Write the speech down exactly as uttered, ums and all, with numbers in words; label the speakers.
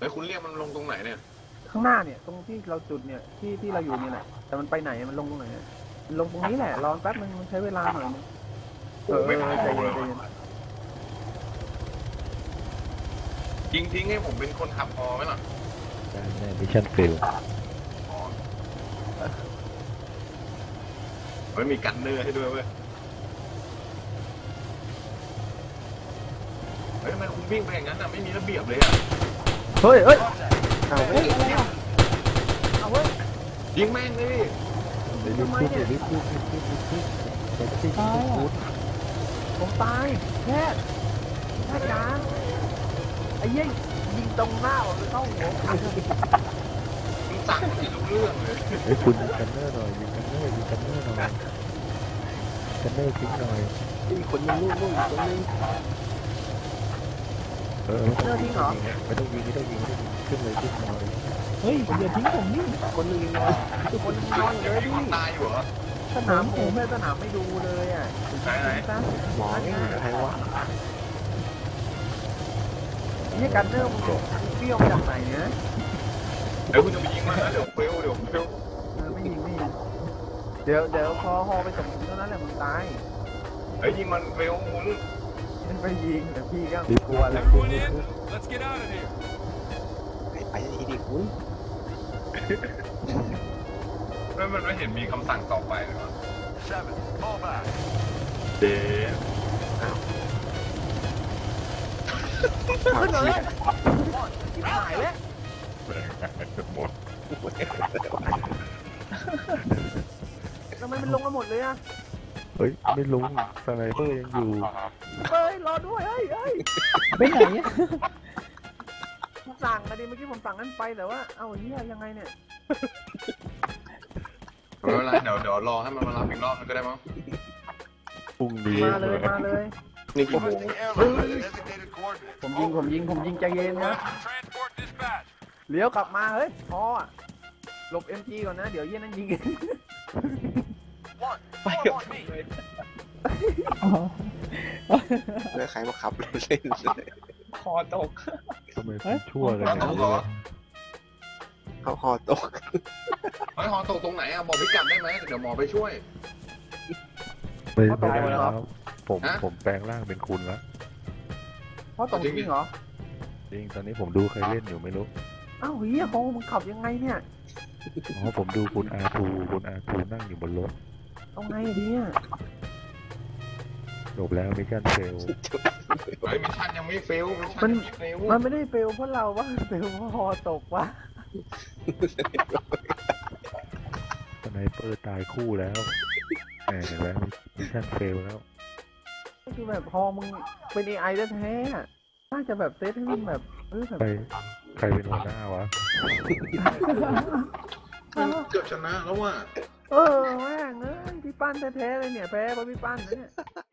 Speaker 1: ฮ้ยคุณเรียกมันลงตรงไหนเนี่ย
Speaker 2: ข้างหน้าเนี่ยตรงที่เราจุดเนี่ยที่ที่เราอยู่นี่แหละแต่มันไปไหนมันลงตรงไหนมันลงตรงนี้แหละรอแป๊บนึงมันใช้เวลาหน่อยนึงเออใจเย็นใจเย็น
Speaker 1: ยิงทิ้งให้ผมเป็นคนขับพอไหมล่ะ
Speaker 3: ได้แน่มิชชั่นฟิล
Speaker 1: มันมีกันเนอร์ให้ด้วยเว้ยเฮ้ยทำไมคุณวิ่งไปอย่างนั้นอ่ะไม่มีระเบียบเลยอ่ะ
Speaker 2: เฮ้ยเฮ้ย
Speaker 3: เอาเว้ย
Speaker 2: เอาเว้ย
Speaker 1: ยิงแม่งเลย
Speaker 3: เดี๋ยวรีบพูดเดี๋ยวรีบพูดรีบพูดรีบพูดเดี๋ยวรีบพูด
Speaker 2: ผมตายแค่แค่จ้าไอ้ยิ่งยิงตรงหน้าผมเลยเข้าหัว
Speaker 1: มึงสั่งไม่รู้เรื่องเลย
Speaker 3: เฮ้ยคุณยิงกันเนอร์หน่อยยิงกันเนอร์ยิงกันเนอร์หน่อยกันเนอร์ทิ้งหน่อย
Speaker 4: อีกคนนึงลูกลูกอีกคนนึง
Speaker 3: เออไม่ต้องยิงไม่ต้องยิงไม่ต้องยิงไม่ต้องยิงขึ้นเลยขึ้นหน่อย
Speaker 4: เฮ้ยอย่าทิ้งผมนี่คนนึงนอน
Speaker 2: คนนอนเลยดิ
Speaker 1: ตายอยู่เหรอ
Speaker 2: สนามผมแม่สนามไม่ดูเลยอ่ะ
Speaker 1: ไหนไหน
Speaker 3: หมอใครวะ
Speaker 2: นี่กันเนอร์มันเปรี้ยวมาจากไหนเนี่ย
Speaker 1: เดี๋ยวคุณจะไปยิงมันนะเดี๋ยวเฟลเดี๋ยวเฟล
Speaker 2: เออไม่ยิงไม่ยิงเดี๋ยวเดี๋ยวพอฮอไปส่งเท่านั้นแหละมึงตาย
Speaker 1: เฮ้ยยิงมันเฟลคุณ
Speaker 2: มันไปยิงแต่พี่ก็
Speaker 3: รีบพูดรีบพูดรีบพูด
Speaker 4: ไปทีดิคุณ
Speaker 1: แล้วมันไม่เห็นมีคำสั่งต่อไปเลยวะเดน
Speaker 2: ขึ้นเลยที่หายแล้ว
Speaker 1: หมด
Speaker 2: ทำไมมันลงมาหมดเลยอ่ะ
Speaker 3: เฮ้ยไม่ลงสไนเปอร์ยังอยู่
Speaker 2: เฮ้ยรอด้วยเฮ้ยเฮ้ย
Speaker 4: ไปไหนอ่ะ
Speaker 2: สั่งอะดิเมื่อกี้ผมสั่งนั้นไปแต่ว่าเอ้าเฮียยังไงเนี่ย
Speaker 1: ไม่เป็นไรเดี๋ยวเดี๋ยวรอให้มันมารับอีกรอบนึงก็ได้มั้ง
Speaker 3: พรุ่งนี้
Speaker 2: มาเลยมาเลย
Speaker 1: นี่กี่โมง
Speaker 2: ผมยิงผมยิงผมยิงใจเย็นนะเลี้ยวกลับมาเฮ้ยพออ่ะหลบเอ็มจีก่อนนะเดี๋ยวเย็นนั้นยิง
Speaker 4: ไปเลือกใครมาขับเล่น
Speaker 1: คอตก
Speaker 3: ทำไมชั่วเลยเนี่ย
Speaker 4: เขาคอตก
Speaker 1: เฮ้ยคอตกตรงไหนอ่ะบอกพิกัดได้ไหมเดี๋ยวหมอไปช่วย
Speaker 3: ไม่ได้แล้วผมผมแปลงร่างเป็นคุณแล้ว
Speaker 2: เพราะตกจริงเหรอ
Speaker 3: จริงตอนนี้ผมดูใครเล่นอยู่ไม่รู้
Speaker 2: อ้าวเฮียโค้มึงขับยังไงเนี่ย
Speaker 3: อ๋อผมดูคุณอาทูคุณอาทูนั่งอยู่บนรถ
Speaker 2: เอาไงดีอ่ะ
Speaker 3: จบแล้วมิชชั่นเฟล
Speaker 1: เฮ้ยมิชชั่นยังไม่เฟลมิชชั่นยังไม่เฟล
Speaker 2: มันไม่ได้เฟลเพราะเราว่าเฟลเพราะฮอตกวะ
Speaker 3: สไนเปอร์ตายคู่แล้วแหมเห็นไหมมิชชั่นเฟลแล้ว
Speaker 2: ก็คือแบบพอมึงเป็นเอไอแท้ๆน่าจะแบบเซตให้มึงแบบเออแบบ
Speaker 3: ใครใครเป็นหัวหน้าวะ
Speaker 1: เกือบชนะแล้วว่ะ
Speaker 2: เออแม่งเอ้ยพี่ปั้นแท้ๆเลยเนี่ยแพ้เพราะพี่ปั้นนะเนี่ย